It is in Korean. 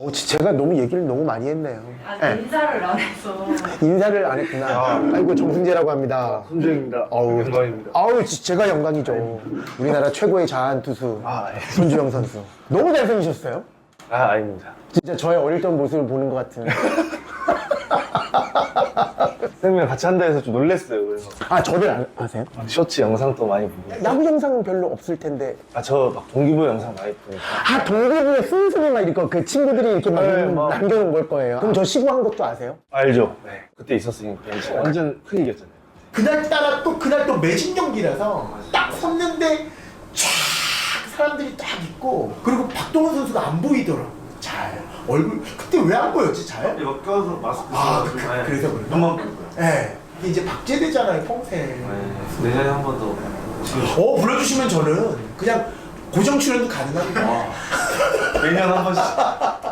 제가 너무 얘기를 너무 많이 했네요. 네. 인사를 안 해서. 인사를 안 했구나. 아이고, 정승재라고 합니다. 손주영입니다. 어우, 영광입니다. 아우, 제가 영광이죠. 우리나라 최고의 자한 투수 아, 예. 손주영 선수. 너무 잘생기셨어요. 아, 아닙니다. 진짜 저의 어릴 적 모습을 보는 것 같은. 쌤이랑 같이 한다 해서 좀 놀랬어요. 그래서 아, 저를 아세요? 쇼츠 영상도 많이 보고. 야구 영상은 별로 없을 텐데. 아, 저 막 동기부 영상 많이 보니까. 아, 동기부에 순순히 막 이렇게 그 친구들이 이렇게 막 네, 막. 남겨놓은 걸 거예요. 그럼 저 시구한 것도 아세요? 알죠? 네. 그때 있었으니까 완전 큰 이겼잖아요. 그날따라 또 그날 또 매진 경기라서 딱 섰는데 쫙 사람들이 딱 있고 그리고 박동원 선수가 안 보이더라고. 잘 얼굴 그때 왜 안 보였지 잘? 이거 껴서 마스크 아 써가지고 그래서 그런가? 눈만 보일 거야. 네. 이게 이제 박제되잖아요 평생. 내년에 한 번 더. 불러주시면 저는 그냥 고정 출연도 가능합니다. 매년 한 번씩.